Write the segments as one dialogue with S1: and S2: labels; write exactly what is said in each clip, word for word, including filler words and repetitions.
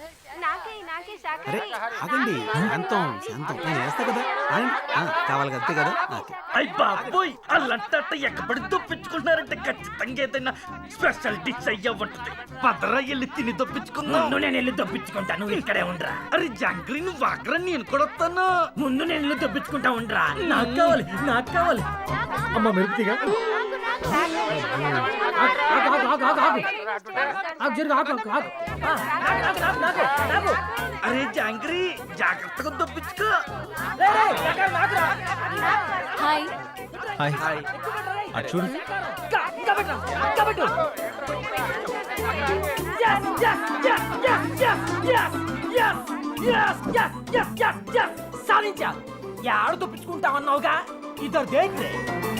S1: ఆగండి, శాంతం శాంతం నేను చేస్తా కదా. కావాలి అంతే కదా.
S2: అయ్య బాబోయ్, అల్లంట ఎక్కబడి దొప్పించుకుంటున్నారంటే ఖచ్చితంగా ఏదైనా స్పెషల్ డిష్ అయ్యా ఉంటుంది. పదరా వెళ్ళి తిని దొప్పించుకుందాం.
S3: ముందు నేను వెళ్ళి దొప్పించుకుంటా, నువ్వు ఇక్కడే ఉండరా.
S2: అరే జాంగ్రీ, నువ్వు వాకరా, నేను కూడా వస్తాను.
S3: ముందు నేను వెళ్ళి దొప్పించుకుంటా ఉండరా. నాకు కావాలి, నాకు కావాలి. అమ్మ మెరుపుగా
S2: అరే జాంగ్రీ, జాగ్రత్తగా దొప్పించుకో.
S4: Hi
S1: hi hi. అటు చూడు.
S3: సాధించా. యాడ దొప్పించుకుంటామన్నావుగా, ఇద్దరు దేంట్రే.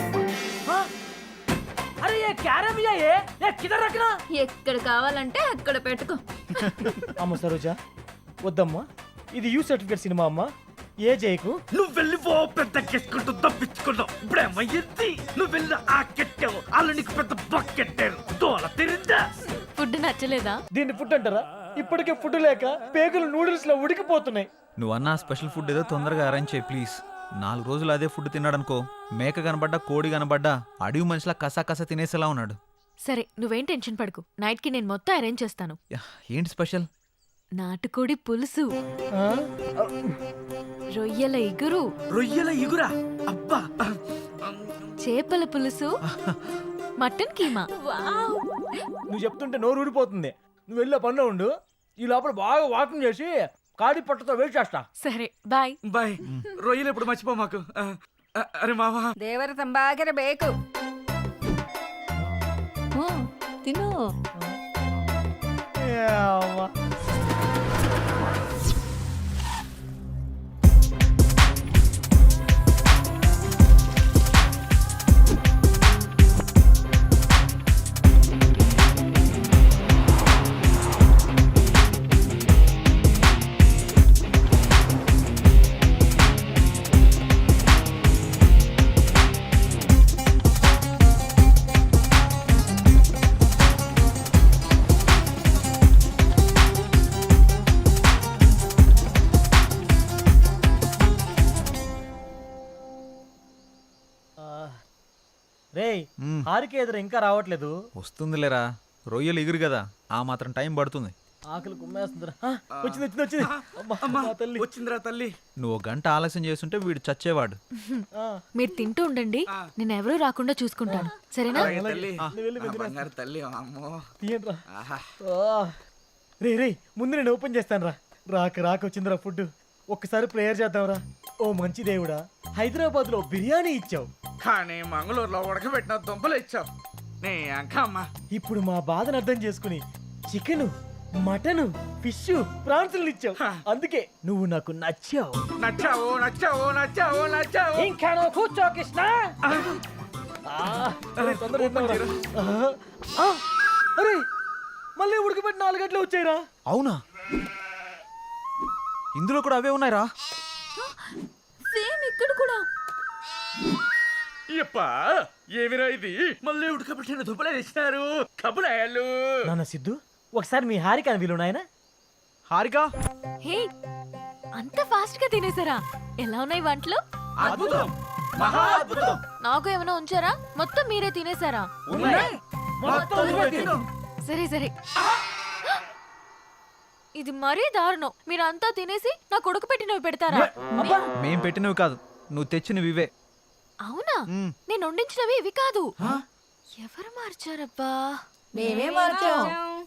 S3: అరే ఏ క్యారమియా ఏ ఏ కిదర్ రఖనా.
S4: ఎక్కడ కావాలంటే అక్కడ పెట్టుకో.
S3: అమ్మ సరోజా వద్దమ్మా, ఇది యూ సర్టిఫికేట్ సినిమా అమ్మా. ఏ జైకు
S2: నువ్వు వెళ్ళి ఓ పెద్ద కెట్టుకుంటూ దొప్పించుకున్నావు. ఇప్పుడేమయ్యింది, నువ్వు వెళ్ళి ఆ కెట్టావు, వాళ్ళు నీకు పెద్ద బకెట్టారు. తోల తిరిందా?
S4: ఫుడ్ నచ్చలేదా?
S3: దీన్ని ఫుడ్ అంటారా? ఇప్పటికే ఫుడ్ లేక పేగులు నూడిల్స్ లో ఉడికిపోతున్నాయి.
S1: నువ్వు అన్న స్పెషల్ ఫుడ్ ఏదో తొందరగా అరేంజ్ చేయి ప్లీజ్. నాలుగు రోజులు అదే ఫుడ్ తిన్నాడనుకో, మేక కనబడ్డా కోడి కనబడ్డా అడవి మనిషిలా కసా కసా తినేసేలా ఉన్నాడు.
S4: సరే నువ్వేం టెన్షన్ పడకు, నైట్ కి నేను మొత్తం అరేంజ్ చేస్తాను.
S1: యా, ఏంటి స్పెషల్?
S4: నాటుకోడి పులుసు,
S3: ఆ?
S4: రొయ్యల ఇగురు,
S2: రొయ్యల ఇగురా, అబ్బా,
S4: చేపల పులుసు, మటన్ కీమా.
S3: నువ్వు చెప్తుంటే నోరు ఊడిపోతుంది. నువ్వు వెళ్ళే పనిలో ఉండు, ఈ లోపల బాగా వాకింగ్ చేసి కాడి పట్టతో వెయిట్ చేస్తా.
S4: సరే బాయ్
S2: బాయ్. రొయ్యలు ఎప్పుడు మర్చిపో మాకు. అరే మామా,
S5: ದೇವರ ತಂಬಾಗಿರಬೇಕು. ತಿನ್ನು.
S3: రేయ్, హారిక ఎదురు ఇంకా రావట్లేదు.
S1: వస్తుందిలేరా, రొయ్యలు ఎగురు కదా, ఆ మాత్రం టైం పడుతుంది.
S3: ఆకలి కుమ్మేస్తుందిరా. వచ్చింది వచ్చింది వచ్చింది. అమ్మా, తల్లి
S2: వచ్చిందిరా తల్లి.
S1: నువ్వు గంట ఆలస్యం చేస్తుంటే వీడు చచ్చేవాడు.
S4: మీరు తింటూ ఉండండి, నేను ఎవరూ రాకుండా చూసుకుంటాను, సరేనా?
S3: రే రే ముందు నేను ఓపెన్ చేస్తాను రా. రాక రాక వచ్చిందిరా ఫుడ్. ఒక్కసారి ప్రేయర్ చేద్దాంరా. ఓ మంచి దేవుడా, హైదరాబాద్ లో బిర్యానీ ఇచ్చావు
S2: కానీ మంగళూరులో ఉడకబెట్టిన దుంపలు ఇచ్చావు. నీ అంకమ్మ
S3: ఇప్పుడు మా బాధను అర్థం చేసుకుని చికెన్, మటన్, ఫిష్, ప్రాన్స్ ఇచ్చావు. అందుకే నువ్వు నాకు నచ్చావు.
S2: నచ్చావు నచ్చావు నచ్చావు నచ్చావు.
S3: ఇంకా నువ్వు కూర్చో కృష్ణ. అరే మళ్ళీ ఉడకబెట్టి నాలుగు గంటలు వచ్చాయిరా.
S1: అవునా, ఇందులో కూడా అవే ఉన్నాయిరా.
S4: సేమ్ ఇక్కడ కూడా.
S2: అప్పా ఏమిరా ఇది, మళ్ళీ ఉడకబెట్టిన దుంపలే తెచ్చినారు. కబులాయాలు
S3: నాన్న సిద్ధు, ఒకసారి మీ హారిక వీలు నాయన.
S1: హారిక,
S4: హే, అంత ఫాస్ట్ గా తినేసారా? ఎలా ఉన్నాయి వంటలు?
S2: అద్భుతం, మహా అద్భుతం.
S4: నాకు ఏమైనా ఉంచారా? మొత్తం మీరే తినేసారా? సరే సరే, ఇది మరీ దారుణం. మీరంతా తినేసి నా కొడుకు పెట్టినవి పెడతారా?
S1: మేం పెట్టినవి కాదు, నువ్వు తెచ్చినవి ఇవే.
S4: అవునా, నేను వండించినవి ఇవి కాదు. ఎవరు మార్చారబ్బా?
S5: మేమే మార్చాం.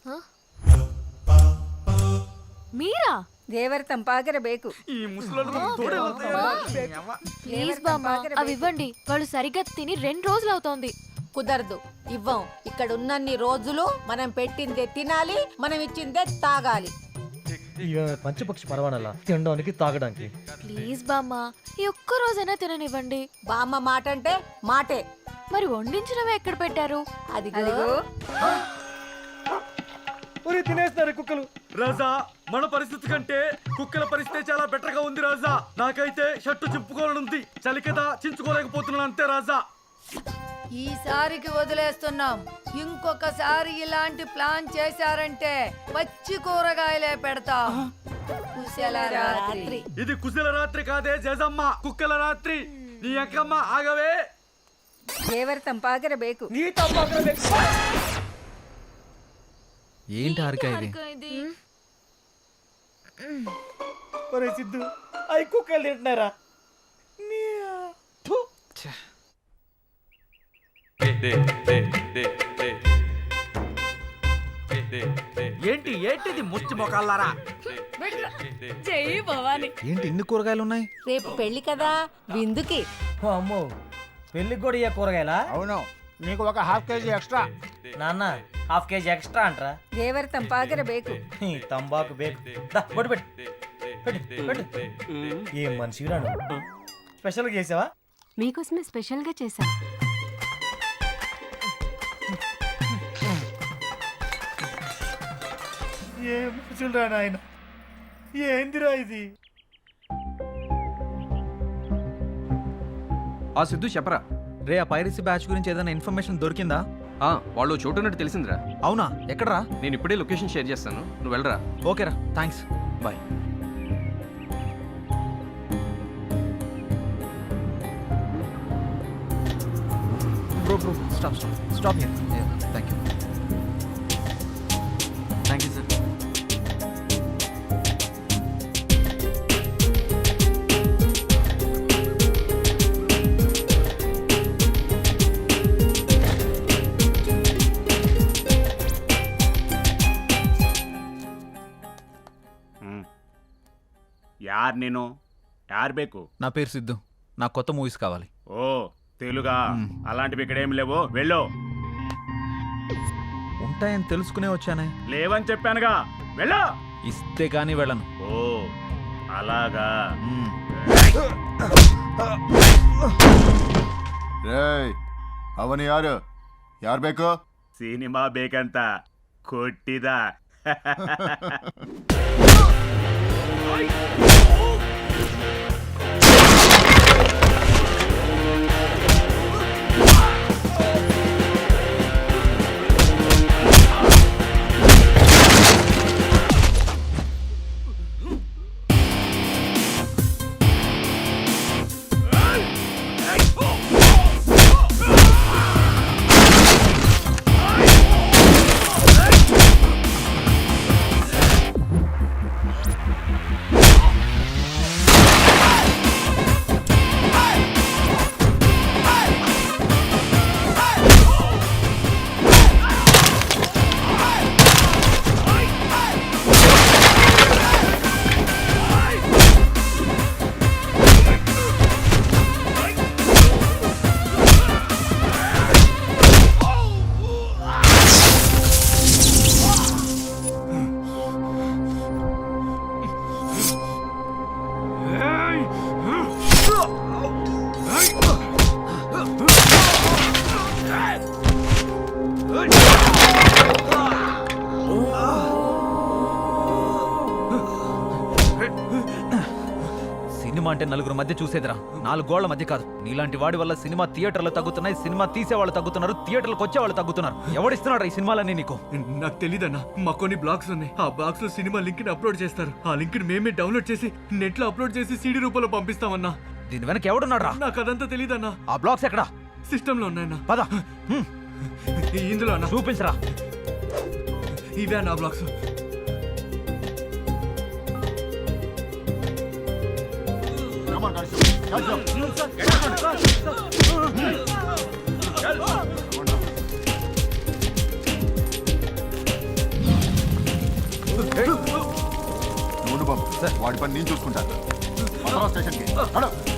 S4: మీరా?
S5: ದೇವರ ತಂಪಾಗಿರಬೇಕು.
S2: ఈ ముసలోళ్ళు
S4: ప్లీజ్ బామ్మ, అవి ఇవ్వండి. వాళ్ళు సరిగ్గా తిని రెండు రోజులు అవుతోంది.
S5: కుదరదు, ఇవ్వం. ఇక్కడ ఉన్నన్ని రోజులు మనం పెట్టిందే తినాలి, మనం ఇచ్చిందే తాగాలి.
S3: పంచపక్షి పరవాణాల తినడానికి తాగడానికి.
S4: ప్లీజ్ బామ్మ, ఈ ఒక్క రోజైనా తిననివ్వండి.
S5: బామ్మ మాట అంటే మాటే.
S4: మరి వండించినవి ఎక్కడ పెట్టారు?
S5: అదిగో.
S3: తినేస్తున్నారు కుక్కలు.
S2: రాజా, మన పరిస్థితి కంటే కుక్కల పరిస్థితి చాలా బెటర్ గా ఉంది రాజా. నాకైతే షర్టు చింపుకోవాలనుంది, చలి కదా చించుకోలేకపోతున్నాను అంతే రాజా.
S6: ఈసారికి వదిలేస్తున్నాం. ఇంకొకసారి ఇలాంటి ప్లాన్ చేశారంటే పచ్చి కూరగాయలే పెడతాం. కుశల రాత్రి.
S2: ఇది కుశల రాత్రి కాదే జేజమ్మ, కుక్కల రాత్రి. నీ అక్కమ్మ ఆగవే.
S5: ದೇವರ ತಂಪಾಗಿರ ಬೇಕು.
S3: నీ తమ్మాకర ಬೇಕು.
S1: ఏంటి హారిక ఇది?
S4: ఇది
S3: ఒరే సిద్ధు, అయి కుక్కలు తింటున్నారా? నీ థు.
S2: ఏంటి ఏంటిది ముచ్చి మొకాలారా?
S4: చెయ్యి భవాని.
S1: ఏంటి ఇన్ని కూరగాయలు ఉన్నాయి?
S5: రేపు పెళ్లి కదా, విందుకి.
S3: ఓ అమ్మో, పెళ్ళికి కూడా ఇయ్య కూరగాయలా?
S7: అవును, నీకు ఒక హాఫ్ కేజీ ఎక్స్ట్రా.
S3: నాన్న హాఫ్ కేజీ ఎక్స్ట్రా అంటరా?
S5: ದೇವರ ತಂಪಾಗಿರ ಬೇಕು.
S3: ఈ తంబాకు బేకు. దా, బొట్టు పెట్టు. పెట్టు, పెట్టు. ఏం మనిషి రాను. స్పెషల్గా చేసావా?
S4: మీకోసమే స్పెషల్ గా చేశా.
S3: ఏం మనుషులు రా నాయన, ఏందిరా ఇది?
S8: ఆ సిద్ధు చెప్పరా.
S1: రే ఆ పైరసీ బ్యాచ్ గురించి ఏదైనా ఇన్ఫర్మేషన్ దొరికిందా?
S8: ఆ వాళ్ళు చోటున్నట్టు తెలిసిందిరా.
S1: అవునా? ఎక్కడరా?
S8: నేను ఇప్పుడే లొకేషన్ షేర్ చేస్తాను, నువ్వు వెళ్ళరా.
S1: ఓకేరా, thanks.
S8: Bye.
S1: Bro bro stop stop stop here. Thank you. Thank you sir.
S7: ಯಾರ್ ನೀನು? ಯಾರ್ ಬೇಕು?
S1: నా పేరు సిద్ధు. నా కొత్త మూవీస్ కావాలి.
S7: ఓ తెలుగా? అలాంటివి ఇక్కడ ఏం లేవు, వెళ్ళు.
S1: ఉంటాయని తెలుసుకునే వచ్చానే.
S7: లేవని చెప్పానుగా, వెళ్ళు.
S1: ఇస్తే కానీ వెళ్ళను.
S7: ఓ అలాగా.
S1: మ్మ్.
S9: ರೇಯ್ ಅವನು ಯಾರು? ಯಾರು ಬೇಕು?
S7: ಸಿನಿಮಾ ಬೇಕಂತ ಕೊಟ್ಟಿದ.
S1: సినిమా అంటే నలుగురు మధ్య చూసేదిరా, నాలుగు గోళ్ల మధ్య కాదు. నీలాంటి వాడి వల్ల సినిమా థియేటర్లు తగ్గుతున్నాయి, సినిమా తీసే వాళ్ళు తగ్గుతున్నారు, థియేటర్లకు వచ్చే వాళ్ళు తగ్గుతున్నారు. ఎవడిస్తున్నాడు ఈ సినిమాలన్నీ నీకు?
S2: నాకు తెలీదన్నా, మా కొన్ని బ్లాగ్స్ ఉన్నాయి. ఆ బ్లాగ్స్ లో సినిమా లింక్ ని అప్లోడ్ చేస్తారు. ఆ లింక్ ని మేమే డౌన్లోడ్ చేసి నెట్ లో అప్లోడ్ చేసి సీడీ రూపంలో పంపిస్తామన్నా.
S1: దీని వెనక ఎవడున్నాడు రా?
S2: నాకు అదంతా తెలీదన్నా.
S1: ఆ బ్లాగ్స్ ఎక్కడా?
S2: సిస్టమ్ లో ఉన్నాయన్నా.
S1: పద. హ్మ్.
S2: ఇందులో అన్నా
S1: చూపించరా.
S2: ఇవే నా blogs.
S9: Come on, guys. Catch up. నువ్వు బాబు, వాడి పని నేను చూసుకుంటాను. స్టేషన్కి